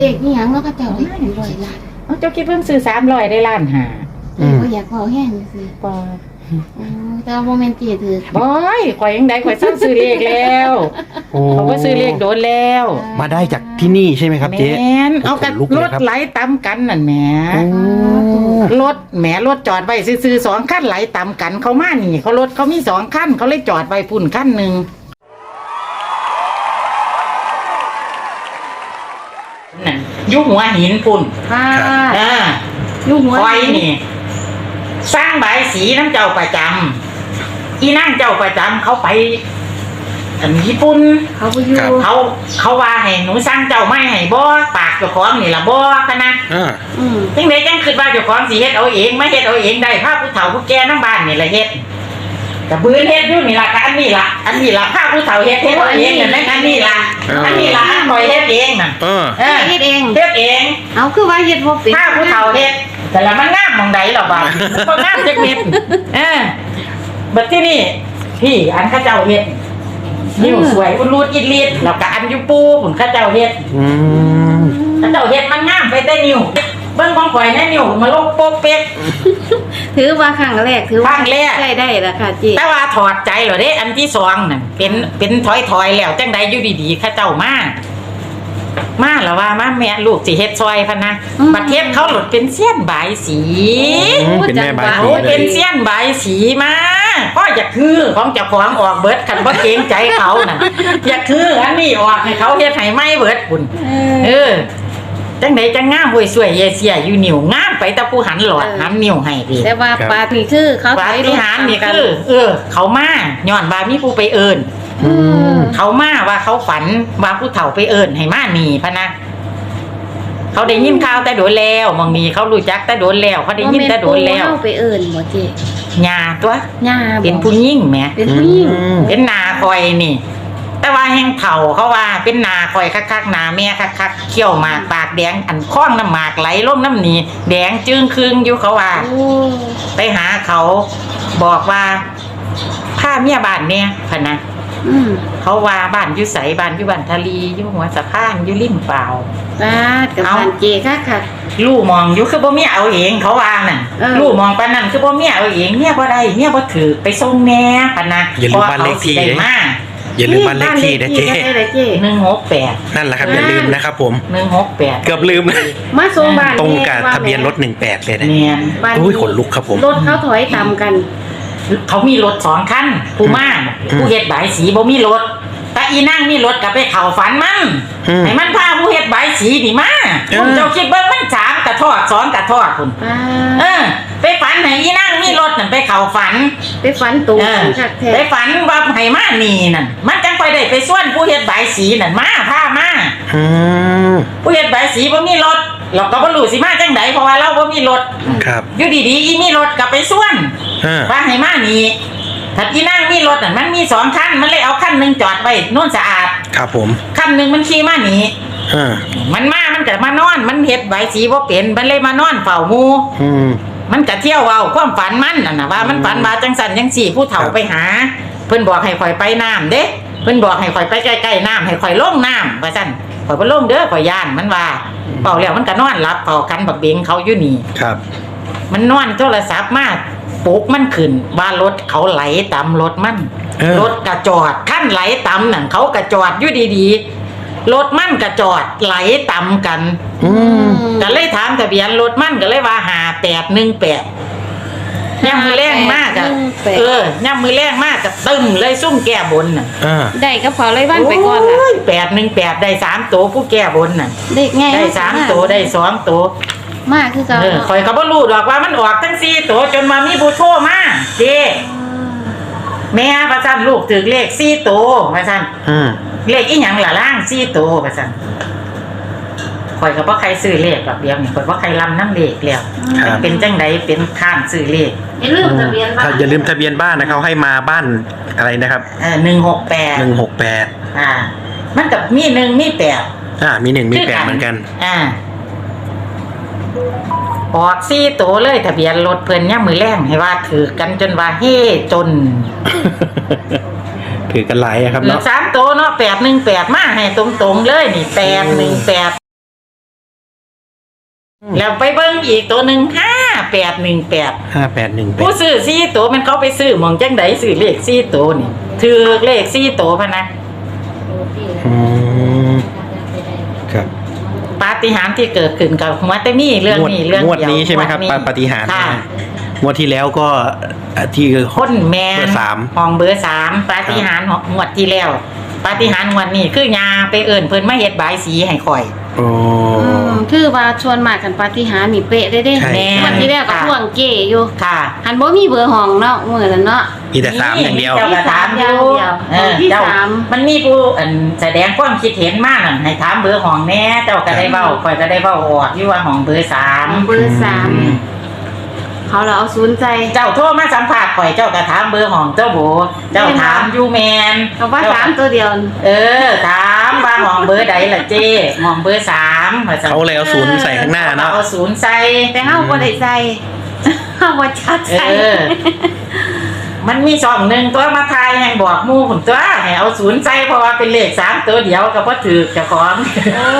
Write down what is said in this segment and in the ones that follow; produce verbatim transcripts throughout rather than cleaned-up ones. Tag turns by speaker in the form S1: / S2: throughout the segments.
S1: เด็กนี่ยังเนาะเขาเจ้าได้ถึงร้อยล้าน
S2: เอาเจ้าคิดเพิ่งซื้อสามร้อยได้ล้านหา
S1: เด็กก็อยากเบาแห้งสิ
S2: ปอ
S1: แต่ว่าโมเมนต์เกียถือบ
S2: อยข่อยยังได้ข่อยซื้อซื้อเลขแล้ว
S3: โอ้
S2: เขาก็ซื้อเลขโดนแล้ว
S3: มาได้จากที่นี่ใช่ไหมครับ
S2: แม
S3: เจ๊
S2: นเอากัน
S3: ขนลุก
S2: ร
S3: เลย
S2: ถ
S3: ครับ
S2: ไหลตามกันนั่นแหม
S3: โอ้
S2: รถแหมรถจอดไว้ซื้อๆสองคันไหลตามกันเขามานี่เขารถเขามีสองคันเขาเลยจอดไว้พุ่นคันหนึ่งนั่นอยุหัวหินพุ่น
S1: ค่ะ
S2: อ่า
S1: อยู่หัว
S2: คอยนี่ สร้างใบายสีน้ำเจ้าประจำอีนั่งเจ้าประจำเขาไปอันญี่ปุ่น
S1: เขาไปอยู่
S2: เขาเขาว่าให้หนูสร้างเจ้าไม่ให้บ่ปากเจ้าของนี่ล่ะบ่คะนะ
S3: อ่า
S1: อืม
S2: จังไดจังคิดว่าเจ้าของสิเฮ็ดเอาเองไม่เฮ็ดเอาเองได้พาผู้เฒ่าผู้แก่นำบ้านนี่ล่ะเฮ็ดก็บืนเฮ็ดอยู่นี่ล่ะก็อันนี้ล่ะอันนี้ล่ะพาผู้เฒ่าเฮ็ดเฮ็ดเอาเองนั่นแหละอันนี้ล่ะอันนี้ล่ะอันคอยเฮ็ดเองน่ะ
S3: เออ
S2: เออ
S1: เฮ็ดเอง
S2: เฮ็ดเอง
S1: เอาคือว่าเฮ็ดบ่เป็น
S2: พาผู้เฒ่าเฮ็ดแต่ละมันงามหม่องใดหรอบ่าวมันบ่งามจักนิดเออบัดที่นี่พี่อันเขาเจ้าเฮ็ดนิ้วสวยอุดรูดอิดลีดแล้วก็อันอยู่ปูพุ่นเขาเจ้าเฮ็ด
S3: อืม
S2: เขาเจ้าเฮ็ดมันงามไปแต่นิ้วเบิ่งของข่อยแน่นิ้วมาลงโป๊กเป๊ก
S1: ถือว่าครั้งแรกถือ
S2: ค
S1: ว่า
S2: รั้งแรก
S1: ใช้ได้แล้วค่ะจี
S2: แต่ว่าถอดใจเหรอเด้อันที่สองนั่นเป็นเป็นถอยๆแล้วจังใดอยู่ดีๆเข้าเจ้ามามาแล้วว่ามาแม่ลูกสิเฮ็ดซอยพันนะประเทศเขาหลุดเป็นเสี้ยนบายสี
S3: อืมเป็นแม่บายสี
S2: โอ้
S3: เล
S2: เป็
S3: ย
S2: นเสี้ยนใบายสีมาก็อยากคือของเจ้าของออกเบิดคันบ่เกรงใจเขาน่ะอยากคืออันนี้ออกให้เขาเฮ็ดให้ไม่เบิดพุ่นเออจังไดจังงามห่วยสวยเยเสียอยู่นิ้วงามไปแต่ผู้หันหลอดหันนิ้วให้ดี
S1: แต่ว่าปาฏิคือเขา
S2: ปาฏิหาริย์นี่คือเออ เขามาย้อนว่ามีผู้ไปเอิ้น
S1: อืม
S2: เขามาว่าเขาฝันว่าผู้เฒ่าไปเอิ้นให้มานี่พะนะเขาได้ยินข่าวแต่โดนแล้วมองนี้เขารู้จักแต่โดนแล้วเขาได้ยินแต่โดนแล้ว
S1: บ่ม่นปู่เฮาไปเอิ้นบ่จี
S2: ญาตัว
S1: ย่าบ่
S2: เป็นผู้หญิงแหม
S1: เป็นผู้หญิง
S3: อืม
S2: เป็นนาคอยนี่ แต่ว่าแห่งเฒ่าเขาว่าเป็นนาคอยคักๆนาแม่คักๆเขี้ยวหมากปากแดงอันคล้องน้ำหมากไหลลงน้ำหนีแดงจึงครึงอยู่เขาว่า
S1: โอ้
S2: ไปหาเขาบอกว่าผ้าเมียบ้านเนี่ยพะนะ
S1: อืม
S2: เขาว่าบ้านอยู่ใสบ้านอยู่บ้านทะลีอยู่หัวสะพานอยู่ริมเปล่า
S1: ปาดกับ
S2: เอา
S1: บ้านเจค่ะค่ะ
S2: ลู่มองอยู่คือบ่เมียเอาเองเขาว่าน่ะ
S1: เออ
S2: ลู่มองปานนั้นคือบ่เมียเอาเองเมียบ่ได้เมียบ่ถือไปส่งแน่พะนะ
S3: อย่าลืมบ้านเลขที่
S2: พระเขาสิได้มา
S3: อย่าลืมบ้านเลขที่นะเจ๊
S1: บ้านลขที่ได้เจ๊
S2: หนึ่งหกแปด
S3: นั่นแหละครับอย่าลืมนะครับผม
S2: หนึ่งหกแปด
S3: เกือบลืม
S1: มาส่งบ้าน
S3: ตรง
S1: แม่
S3: กับ
S1: ว่า
S3: ทะเบียนรถหนึ่งแปดเลยนะ
S2: เนียน
S1: บ้าน
S3: โอ้ยขนลุกครับผม
S1: รถเขาถอยต่ำกัน
S2: เขามีรถสองคันผู้มา
S3: อืม
S2: ผู้เฮ็ดบายสีบ่มีรถแต่อีนั่งมีรถกับไปเข้าฝันมัน
S3: อืม
S2: ให้มันพาผู้เฮ็ดบายสีนี่มา
S3: เออ
S2: ผมเจ้าคิดเบิ่งมันสามกระทอดสองกระทอดพุ่น
S1: ป้า
S2: เออ ไปฝันให้อีนั่งมีรถนั่นไปเข้าฝัน
S1: ไปฝันตู
S2: เออ
S1: คักแท้
S2: ไปฝันว่าให้มานี่นั่นมันจังไปได้ไปส่วนผู้เฮ็ดบายสีนั่นมาพามา
S3: อืม
S2: ผู้เฮ็ดบายสีบ่มีรถเราก็บ่รู้สิมาจังไดเพราะว่าเราบ่มีรถ
S3: ครับ
S2: อยู่ดีๆอีมีรถก็ไปส่วน
S3: อ่า
S2: ว่าให้มานี่ถ้าอีนั่งมีรถน่ะมันมีสองคันมันเลยเอาคันหนึงจอดไว้โน่นสะอาด
S3: ครับผม
S2: คันหนึงมันขี่มานี่
S3: อ่า
S2: มันมามันก็มานอนมันเฮ็ดบายสีบ่เป็นมันเลยมานอนเฝ้าหมู่
S3: อืม
S2: มันก็เที่ยวเว้าความฝันมันน่ะนะว่ามันฝันว่าจังสันจังสี่ผู้เฒ่า
S3: ครับ
S2: ไปหา เพิ่นบอกให้ข่อยไปน้ำเด้เพิ่นบอกให้ข่อยไปใกล้ๆน้ำให้ข่อยลงน้ำว่าซั่นข่อยบ่ลงเด้อข่อยย่านมันว่าเป่าแล้วมันก็นอนหลับเป่ากันบักเบงเขาอยู่นี่
S3: ครับ
S2: มันนอนโทรศัพท์มาปลุกมันขึ้นว่ารถเขาไหลตามรถมัน
S3: เออ
S2: รถกระจอดขั้นไหลตามนั่นเขากระจอดอยู่ดีๆรถมันกระจอดไหลตามกัน
S3: อืม
S2: ก็เลยถามทะเบียนรถมันก็เลยว่าหาแปดหนึ่งแปดย่ำมือแรงมากอะเออย่ำมือแรงมากกับตึมเลยซุ่มแก้บนน่ะ
S3: อ่า
S1: ได้กับเขาเลยวันไปก่อนล่ะ
S2: แปดหนึ่งแปดได้สามตัวผู้แก้บนน่ะ
S1: เด็กไง
S2: ได้สามตัวได้สองตัว
S1: มากคือเขา
S2: เออคอยก็บ่รู้ดอกว่ามันออกทั้งสี่ตัวจนมามีผู้โทรมาเจ้แม่ประจันลูกถึงเลขสี่ตัวประจัน
S3: อืม
S2: เลขอีหยังล่ะล่างสี่ตัวประจันคอยก็บ่ใครซื้อเลขดอกเดียวนี่คอยบ่ใครลำน้ำเลขแล้ว
S3: ครับ
S2: เป็นจังไดเป็นข้านซื้อเลข
S1: อย่าลืมทะเบียนบ้า
S3: ถ้าน อย่าลืมทะเบียนบ้านนะเขาให้มาบ้านอะไรนะครับ
S2: เออหนึ่งหกแปด
S3: หนึ่งหกแปด
S2: อ่า มันกับมีหนึ่งมีแปด
S3: อ่ามีหนึ่งมีแปดเหมือนกัน
S2: อ่าออกสี่ตัวเลยทะเบียนรถเพิ่นย่ำมือแรงให้ว่าถือกันจนว่าเฮ่จน
S3: ถือกันหลายอะครับ
S2: เหลือ
S3: เนาะ
S2: สามตัวเนาะแปดหนึ่งแปดมาให้ตรงๆเลยนี่แปดหนึ่งแปดแล้วไปเบิ่งอีกตัวหนึ่งห้าแปดหนึ่งแปด
S3: ห้าแปดหนึ่งแป
S2: ผู้
S3: ด
S2: ซื้อสี่ตัวมันเขาไปซื้อหมองจังไดซื้อเลขสี่ตัวนี่ถือเลขสี่ตัวพะนะ
S3: อืมครับ
S2: ปาฏิหาริย์ที่เกิดขึ้นกับหัวแต่มีเรื่องนี้เรื่อง
S3: งวด
S2: เดียว
S3: นี้ใช่ไหมครับ
S2: งวดนี้
S3: ปาปาฏิหาริย์
S2: ค่ะ
S3: นะฮะงวดที่แล้วก็อ่ะที่
S2: คนแมน
S3: เบอร์สาม
S2: ห้องเบอร์สามปาฏิหาริย์งวดที่แล้วปาฏิหาริย์งวดนี้คือยาไปเอิ่นเพิ่นมาเฮ็ดบายสีให้ข่อย
S3: โอ้
S1: อืมคือว่าชวนมากันปาฏิหาริย์นี่เป๊ะได้เด้
S3: ใช่
S1: วันที่แรกก็ท่วงเก๋อยู่
S2: ค่ะ
S1: หันบ่มีเบอร์ห้องเนาะมื้อนั้นเนาะ
S3: มีแต่สามอย่างเดียว
S2: เจ้าก็ถามอยู่
S1: เดียว
S2: เออ
S1: ที่
S2: เจ้า
S1: สาม
S2: มันมีผู้อันแสดงความคิดเห็นมากนั่นให้ถามเบอร์ห้องแน่เจ้าก็ได้เว้าข่อยก็ได้เว้าออกอยู่ว่าห้องเบอร์สาม
S1: เบอร์สามเขาเราเอาศูนย์ใจ
S2: เจ้าโทรมาสัมภาษณ์ข่อยเจ้าก็ถามเบอร์ห้องเจ้าโบเจ้าถามอยู่แมน
S1: เขาว่าสามตัวเดียว
S2: เออถามว่าห้องเบอร์ใดล่ะเจ้ห้องเบอร์สามว่าซั่น
S3: เขาเลยเอาศูนย์ใส่ข้างหน้าเนาะ
S2: เอาศูนย์ใส่
S1: แต่เฮาบ่ได้ใส่เฮาบ่ชัด
S2: เอ
S1: ใส่
S2: อ มันมีช่องหนึ่งตัวมาทายให้บอกหมู่ผมตัวให้เอาศูนย์ใส่เพราะว่าเป็นเลขสามตัวเดียวก็บ่ถือเจ้าของ
S1: โอ้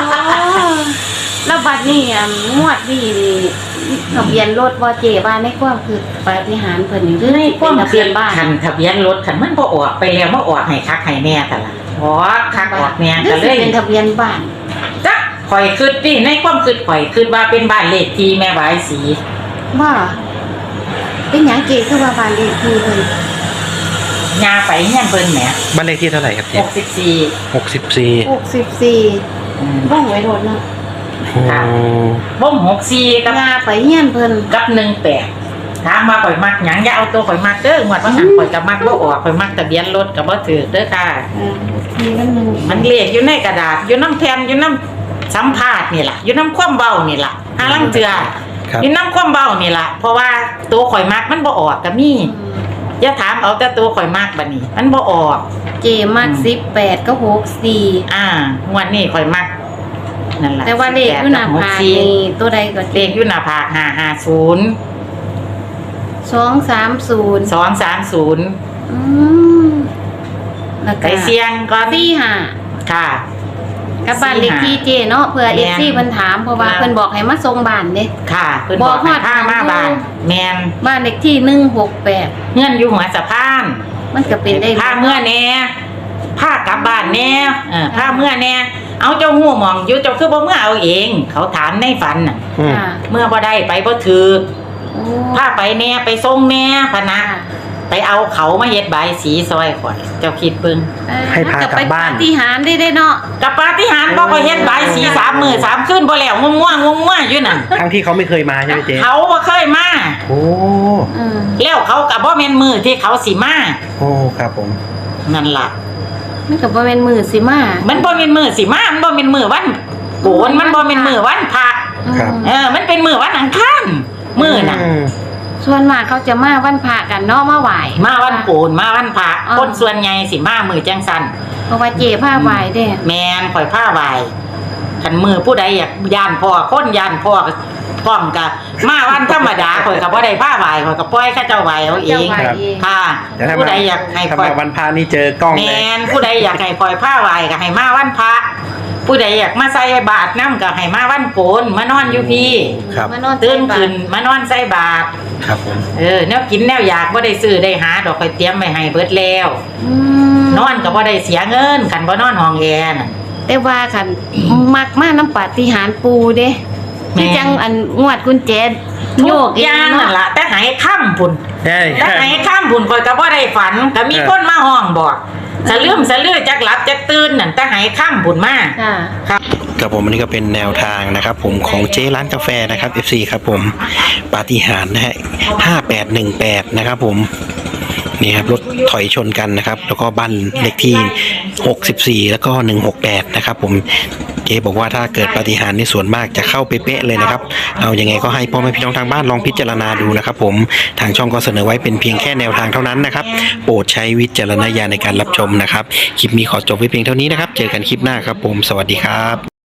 S1: แล้วบัดนี้อ่ะงวดนี้นี่ทะเบียนรถบ่เจ๊บ้านในความคือปาฏิหาริย์เพิ่นนี่คือ
S2: ในความ
S1: เป็นทะ
S2: เพี
S1: เบี
S2: ย
S1: ย
S2: น
S1: นบ้าน
S2: คันทะเบียนรถคันมันบ่ออกไปแล้วมาออกให้คักให้แม่แต่ละออกคักออกแม่
S1: คื
S2: ก็
S1: อ
S2: เล
S1: สิ
S2: ย
S1: เป็นทะเบียนบ้าน
S2: จักข่อยคิดดิในความคิดข่อยคิดว่าเป็นบ้านเลขที่แม่บายสี
S1: ว่าเป็นหยังเจ๊คือว่าบ้านเลขที่เพิ่น
S2: ยาไปเฮียนเพิ่นแหม
S3: บ้านเลขที่เท่าไหร่ครับเจ๊
S2: หกสิบสี่
S3: หกสิบสี่
S1: หกสิบสี่บ้านไว้โดดเนาะ
S2: ค่ะ บ่มหกสี่กับ
S1: งาไปเฮียนเพิ่น
S2: กับหนึ่งแปดถามว่าข่อยมักหยังอย่าเอาตัวข่อยมักเด้องวดว่าหันข่อยก็มักบ่ออกข่อยมักทะเบียนรถก็บ่ถือเด้อค่ะ
S1: เออมีมันหนึง
S2: มันเลขอยู่ในกระดาษอยู่น้ำแผ่นอยู่น้ำสัมภาษณ์นี่ล่ะอยู่น้ำความเบานี่ล่ะหาลังเทือ
S3: ครับ
S2: อยู่น้ำความเบานี่ล่ะเพราะว่าตัวข่อยมักมันบ่ออกก็มีอย่าถามเอาแต่ตัวข่อยมักบัดนี้ มันบ่ออก
S1: เจมักสิบแปดก็หกสี่
S2: อ่างวดนี้ข่อยมักนั่นล่ะ
S1: แต่ว่าเลขอยู่หน้าผากนี่ตัวใดก็
S2: เลขอยู่หน้าผากห้าห้าศูนย์
S1: สองสามศูนย์
S2: สองสามศูนย์
S1: อืมแล้ว
S2: ไป
S1: ก็
S2: เสี่ยงก่อน
S1: สี่ห้า
S2: ค่ะ
S1: กับบ้านเลขที่เจเนาะเผื่อ
S2: แม่
S1: เอน ฟซีเพิ่นถามเพราะว่า
S2: แม่น
S1: เพิ่นบอกให้มาส่งบ้านเด้
S2: ค่ะเพิ่น
S1: บบ อ
S2: อก ก
S1: ฮอ
S2: ให้
S1: ด
S2: พามาบ้านแมน
S1: บ้านเลขที่หนึ่งหกแปด
S2: เงื่อนอยู่หัวสะพาน
S1: มันก็เป็นได้
S2: พาเมื่อแน่พากลับบ้านแน่เออพาเมื่อแน่เอาเจ้าหูหมองอยู่เจ้าคือบ่เมื่อเอาเอง เขาถามในฝันน่ะ
S3: อืม
S1: ค่ะ
S2: เมื่อบ่ได้ไปบ่ถือ
S1: โอ้
S2: พาไปแน่ไปส่งแน่พะนะ
S1: ค่ะ
S2: ไปเอาเขามาเฮ็ดใบายสีซอยข่อยเจ้าคิดเบิ่ง
S1: เออ
S3: ให้พากลับบ้าน
S1: มัก็ไปปฏิหารย์ได้ได้เนาะ
S2: กับปาฏิหาริย์บ่ก็เฮ็ดใบายสีสามมื้อสามคืนบ่แล้วง่วงๆง่วงๆอยู่นั่น
S3: ทั้งที่เขาไม่เคยมาใช่ไหมเจ๊
S2: เขาบ่เคยมา
S3: โอ้
S1: อืม
S2: แล้วเขาก็บ่แม่นมื้อที่เขาสิมา
S3: โอ้ครับผม
S2: นั่นล่ะ
S1: มันก็บ่แม่นมือสิมา
S2: มันบ่เป็นมือสิมา มันบ่เป็นมือวันโกน มันบ่เป็นมือวันพระ
S3: ครับ
S2: เออ มันเป็นมือวันอังคารมือน่ะ
S3: อืม
S1: ส่วนมากเขาจะมาวันพระกันเนาะมาไหว้
S2: มาวันโกน มาวันพระ
S1: อ๋อ
S2: คนส่วนใหญ่สิมามือจังสัน
S1: เพราะว่าเจผ้าไหว้เด้
S2: แมนข่อยผ้าไหวคันมือผู้ใดอยากย่านพ่อคนย่านพ่อก็พร้อมกะมาวันธรรมดาข่อยก็บ่ได้ผ้าไหวข่อยก็ปล่อยเขาเจ้าไหวเอาเอง
S1: เจ้าไหว้เอง
S2: ค่ะ
S3: แต่ถ้า
S2: ผู้
S3: มา
S2: ใดอยากให้
S3: ถ้า
S2: ข่อย
S3: มาวันพานี่เจอกล้อง
S2: แม
S3: เลย
S2: นผู้ใดอยากให้ข่อยผ้าไหวก็ให้มาวันพระ ผู้ใดอยากมาใส่บาตรน้ำก็ให้มาวันโกนมานอนอยู่พี่
S3: ครับ
S1: มานอน
S2: ตื่นขึ้นมานอนใส่บาตร
S3: ครับผม
S2: เออแนวกินแนวอยากบ่ได้ซื้อได้หาดอกข่อยเตรียมไว้ให้เบิดแล้ว
S1: อืม
S2: นอนก็บ่ได้เสียเงินคันบ่นอนห้องแอร์น่ะ
S1: แต่ว่าคัน มักมาน้ำปาฏิหาริย์ปูเด้
S2: แม่
S1: ที่จังอันงวดกุญแจโยก
S2: ทุอย่างนั่นล่ะแต่หายค่ำพุ่น
S3: ใช่
S2: แต่หายค่ำพุ่นข่อยก็บ่ได้ฝันก็มีคนมาห้องบอกสะลืมสะลือจักหลับจักตื่นนั่นแต่หายค่ำพุ่นมา
S1: ค่ะ
S2: ครับ
S3: กับผมอันนี้ก็เป็นแนวทางนะครับ ผมของเจ๊ร้านกาแฟนะครับ เอฟ ซี ครับผมปาฏิหาริย์นะฮะห้าแปดหนึ่งแปดนะครับผมนี่ครับรถถอยชนกันนะครับ แล้วก็บ้านเลขที่หกสิบสี่แล้วก็หนึ่งหกแปดนะครับผมเจ๊บอกว่าถ้าเกิดปาฏิหาริย์ในส่วนมากจะเข้าเป๊ะๆเลยนะครับเอายังไงก็ให้พ่อแม่พี่น้องทางบ้านลองพิจารณาดูนะครับผมทางช่องก็เสนอไว้เป็นเพียงแค่แนวทางเท่านั้นนะครับโปรดใช้วิจารณญาณในการรับชมนะครับคลิปนี้ขอจบไว้เพียงเท่านี้นะครับเจอกันคลิปหน้าครับผมสวัสดีครับ